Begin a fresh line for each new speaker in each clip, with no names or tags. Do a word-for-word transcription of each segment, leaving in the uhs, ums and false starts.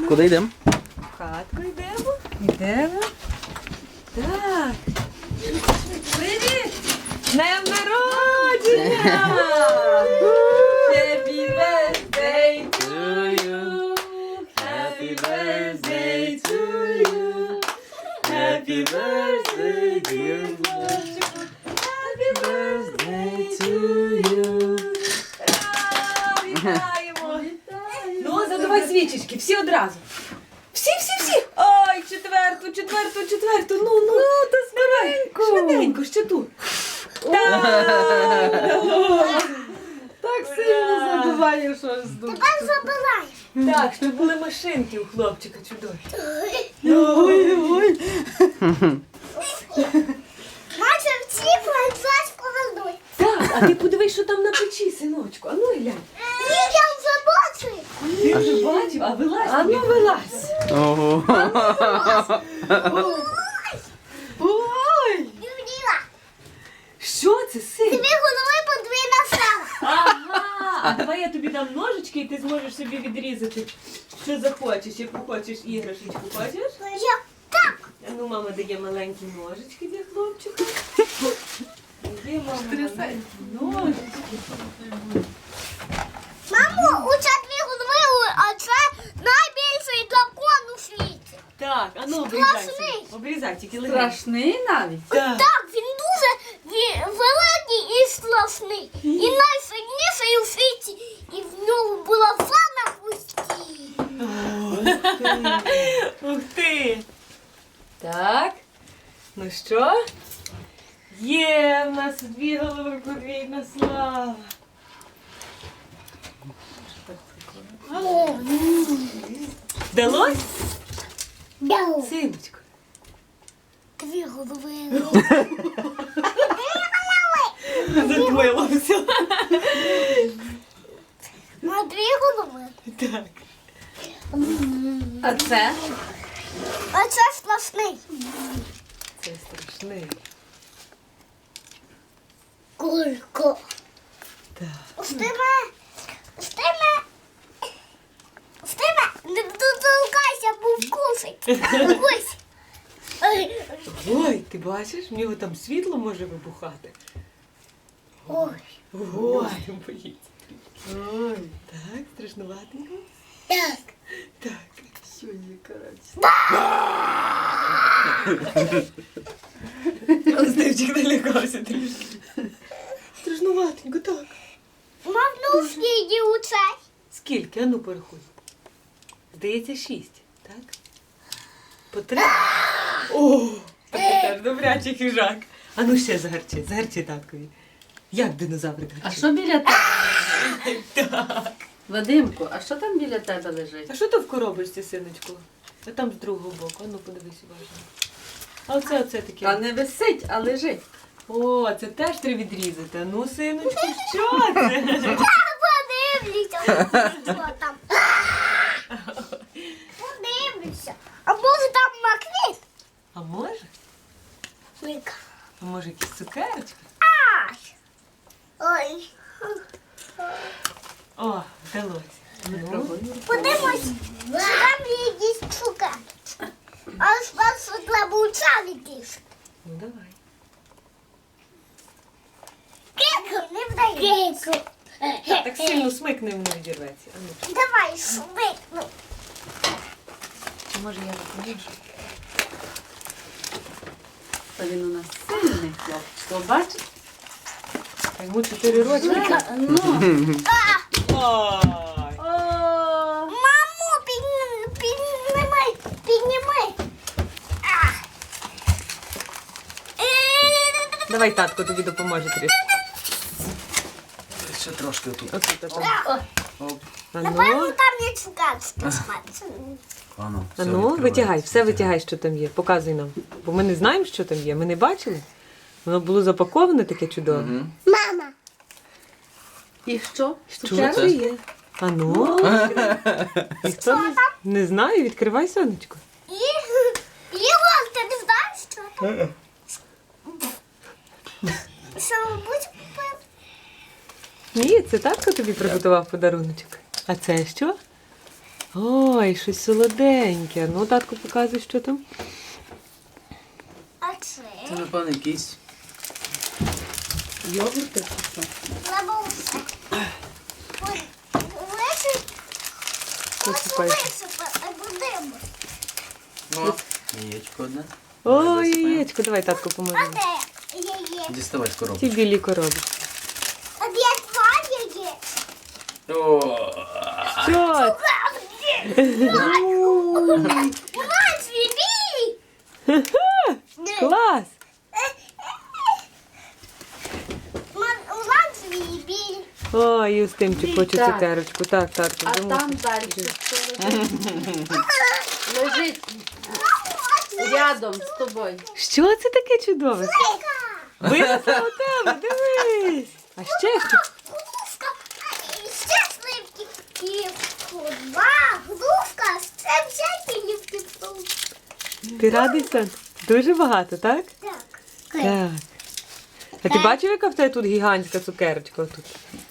Куди йдемо?
В хатку йдемо. Йдемо. Так. Привіт! З днем народження! Happy birthday to you! Happy birthday to you! Happy birthday, dear хлопчику! Happy birthday to you! Ура! Вітаємо! Ну, задавай свічечки, всі одразу. Всі, всі, всі! Ой, четверту, четверту, четверту, ну, ну, ну, то скоренько. Швиденько, ще тут. Так,
Так сильно забиваю, що ж тут.
Тепер забирай.
так, щоб були машинки у хлопчика чудові.
Ой, ой.
Наче всі французьку ведуть.
Так, а ти подивись, що там на печі, синочку. А ну глянь.
Я вже бачу.
Ти вже бачив, а вилазь.
А ну вилазь.
Ого.
Ой.
Юріла,
Що це, син?
тобі голови подвійна сала.
Ага, а давай я тобі дам ножички і ти зможеш собі відрізати, що захочеш, яку хочеш іграшечку, хочеш?
Я так.
А ну, мама дає маленькі ножички для хлопчика. Є мама маленькі ножички.
Мамо, оце дві голови, а це найбільший дракон у світі.
Так, а ну обрізай.
Страшний.
собі. Обрізай, тільки легенько.
Страшний навіть.
Так.
Так, він дуже ві- великий і страшний. І найсильніший у світі. І в нього була фа на хвості.
Ух ти! Так. Ну що? Є в нас дві голови подвійна слава. Вдалось?
Дяу.
Синочко.
Дві голови.
Задвоїло все.
На дві голови.
Так.
А це?
А це страшний.
Це страшний.
Кулько.
Так.
Стиме. Стиме. Стиме. Не дотолкайся, бо вкусить. Ось. Ой.
Ой, ти бачиш, в нього там світло може вибухати.
Ой.
Ой, він боїться. Ой, так, страшнуватенько.
Так.
Так.
Що є, коротше.
Стивчик налякався трішки. Страшнуватенько, так.
Мав ну скільки у цей.
Скільки? А ну порахуй. Здається, шість, так? По три? О, так теж добрячий хижак. А ну ще загарчи, загарчи таткові. Як динозаврик
А
гарчить?
що біля тебе?
Так.
Вадимку, а що там біля тебе лежить?
А що то в коробочці, синочку? А там з другого боку. А ну подивись уважно. А оце, оце таке.
Та не висить, а лежить.
О, це теж треба відрізати. А ну, синочку, що це?
Подивлюся, що там. Подивлюся. А може там маквіт?
А може?
Мика.
А може якісь цукерочки?
Ай. Ой.
О, вдалося. Ну,
Подивимось, чи там є якісь цукерки. А спершу треба у царі кішки.
ну давай.
Кику не вдає. Кику.
Так, так сильно смикни, воно відірветься. А ну,
Давай швидко.
чи може я допоможу?
Та він у нас сильний хлопчик. Бачиш?
Йому чотири роки.
Ну.
Ой.
Мамо, підні- піднімай, піднімай. А. Е,
Давай татко тобі допоможе трішки.
Ще трошки тут.
Отут, отут.
Оп.
А
Напевно,
ну,
там є цукерки смачні.
А ну,
а
все
ну,
відкривається.
витягай, все витягай, що там є. Показуй нам. Бо ми не знаємо, що там є. Ми не бачили. Воно було запаковане таке чудове.
Мгм.
Мама.
І що?
Що
Цукерки?
це є? А ну, ніхто не, не знає, відкривай, сонечко.
І, Ігор, ти не знаєш, що там? Що, будь купив?
Ні, це татко тобі приготував подаруночок. А це що? Ой, щось солоденьке. Ну, татку показуй, що там.
А це?
Це, напевно, якийсь.
Йогурти чи що?
Лабуся. Ой, висип.
Посипай.
Ось висипати будемо.
О, яєчко одне.
Ой,
Висипаємо.
яєчко, давай татку
А
поможемо.
де яє?
Діставай з
Ці
коробки.
білі коробки.
А де два яє?
О,
Що?
Мать, бібі!
Клас!
Улан свій.
Ой, Юстимчик хоче
Так.
цукерочку. Так, татку,
А
замовчи.
там далі що лежить? Лежить рядом з тобою.
Що це таке чудове? Винесла у тебе, дивись. А ще що?
Глузка, і ще сливки. І два глузка, це всякі лівки.
Ти радий, Сан? Дуже багато, так?
Так.
Так. А ти бачив, яка в тебе тут гігантська цукерочка? Тут?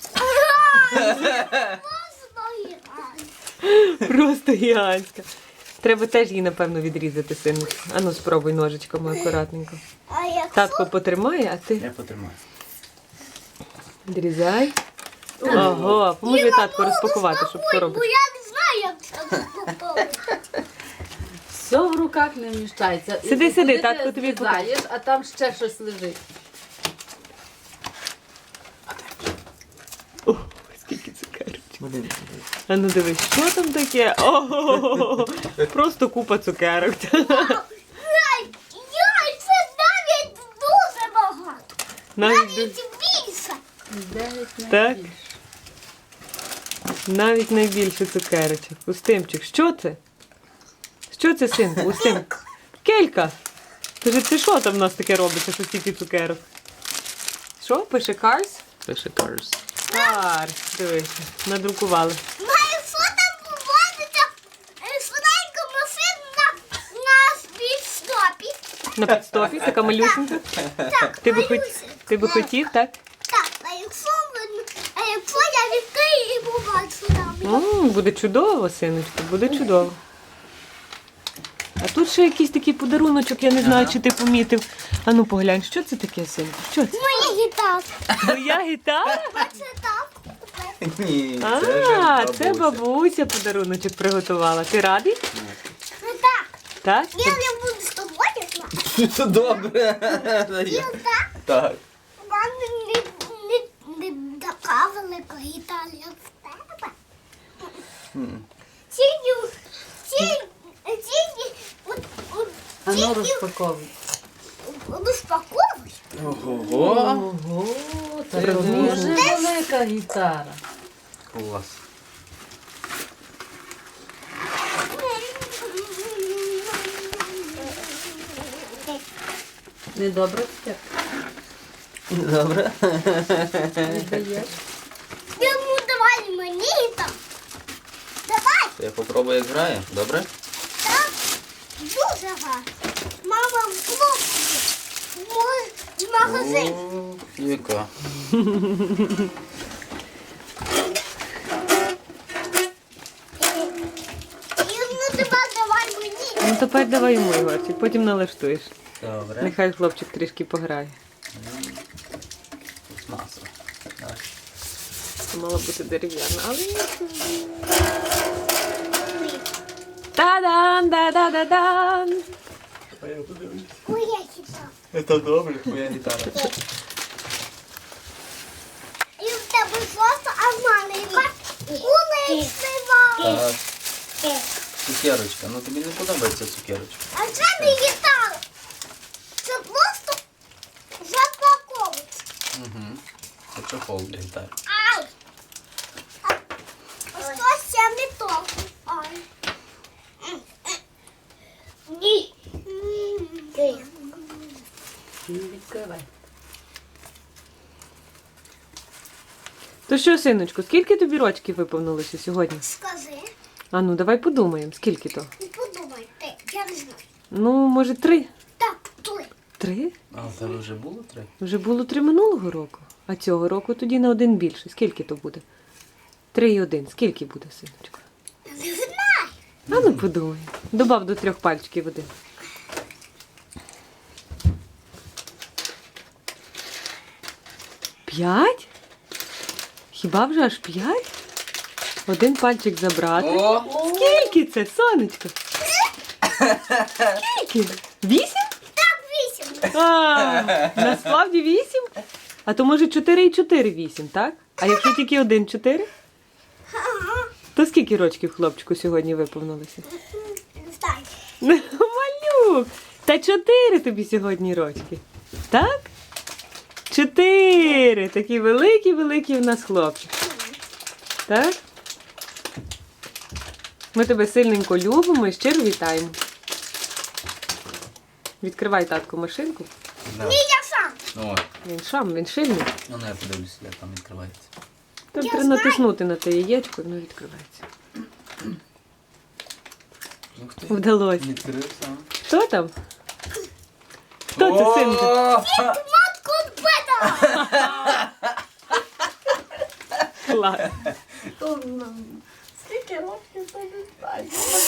Просто гігантська. Треба теж її, напевно, відрізати, сину. Ану, спробуй ножичками акуратненько.
А якщо...
Татко потримає, а ти
я потримаю.
відрізай. Ого, поможи татку розпакувати, щоб
Бо
коробочку.
я не знаю, як це розпаковувати.
Все в руках не вміщається. І
Сиди,
куди
сиди,
ти
татко тобі
злізаєш, а там ще щось лежить.
О, скільки цукерочок. А ну дивись, що там таке? Ого, просто купа цукерок.
Яй, яй, це навіть дуже багато.
Навіть, ду-
Навіть більше.
Дев'ять
Так.
найбільше.
навіть найбільше цукерочок. Устимчик, що це? Що це, синку? Устим? Келька. Скажи, це що там в нас таке робиться, що стільки цукерок? Що, пише Cars?
Пише Cars.
Cars, дивися, надрукували.
Має, що там поводиться е, швиденько машина на спідстопі.
На підстопі, така малюсенька.
Так,
Ти би, хот...
Марюся.
Ти би хотів, так?
Так, а якщо, ви- а якщо я відкрию і побачу там.
М, буде чудово, синочку, буде чудово. А тут ще якийсь такий подаруночок, я не знаю,
Ага.
чи ти помітив. А ну поглянь, що це таке, синку? Що це?
Моя гітара.
Твоя гітара?
Це так.
Ні,
А,
вже
це бабуся подаруночок приготувала. Ти радий?
Так.
Так?
Я не буду з тобою знати.
Це добре.
І так.
Так.
У мене не, не, не така велика гітара, як в тебе.
М.
Тільки, тільки, тільки, от, от,
А ну
тільки
розпаковуй.
розпаковуй.
Ого.
Ого, це
Розумієш?
дуже велика гітара.
Клас.
Недобре таке?
Добре.
Віддаєш?
Йому давай мені там. Давай,
Я попробую, як грає. Добре?
так, дуже гарно. Мама в хлопці. В магазин.
О, яка.
Йому тепер давай мені.
Ну тепер давай йому, Ігорчик, потім налаштуєш.
Добре.
Нехай хлопчик трішки пограє.
Масло. Так.
Це мало бути дерев'яна, але нічого. Та-дан, да-да-да-дан.
Моя гітара.
Це добре, моя гітара.
І в тебе просто, а в мене яка уличлива.
Так. Цукерочка. Ну тобі не подобається цукерочка.
А це не гітара. Це просто запаковується.
Угу. Це чохол для гітари.
Ай! А, а що ще не то? Ай. Ні. Ні.
Не відкривай.
То що, синочку, скільки тобі рочків виповнилося сьогодні?
Скажи,
А ну, давай подумаємо, скільки то?
і подумай ти, я не знаю.
Ну, може, три?
Так, той.
Три?
А в тебе вже було три?
Вже було три минулого року. А цього року тоді на один більше. Скільки то буде? Три і один. Скільки буде, синочку?
Не знаю.
А ну подумай. Добав до трьох пальчиків води. П'ять? Хіба вже аж п'ять? Один пальчик забрати.
О!
Скільки це, сонечко? Скільки? Вісім?
Так, вісім.
А, насправді вісім? А то може чотири і чотири вісім, так? А якщо тільки один чотири?
Ага.
То скільки рочків хлопчику сьогодні виповнилося?
Так.
Малюк! Та чотири тобі сьогодні рочки. Так? Чотири! Такі великі-великі в нас хлопчик. Так? Ми тебе сильненько любимо і щиро вітаємо. Відкривай, татку, машинку.
Да.
Ні, я сам.
О,
Він шам, він шильний.
ну я подивлюся, як там відкривається.
Там
Я
треба
знаю.
натиснути на те яєчко, і воно відкривається.
Ух ти.
Вдалося.
Відкрив сам.
Хто там? Хто це, синку?
О!
Матку бета.
Клас.
Скільки років це не знаю.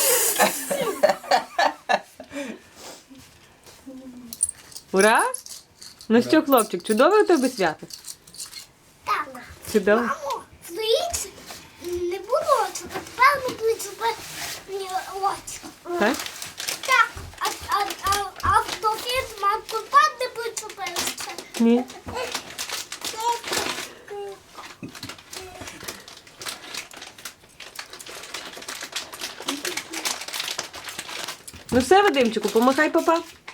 Ура! Ну що, хлопчик, чудове у тебе свято?
Так.
Чудово.
Мамо, здається, не було цього. Певно, були зубені очі.
Так?
Так, а, а, а, а в дофіт матку бет не були зубилися.
Ні. Ну все, Вадимчику, помахай папа.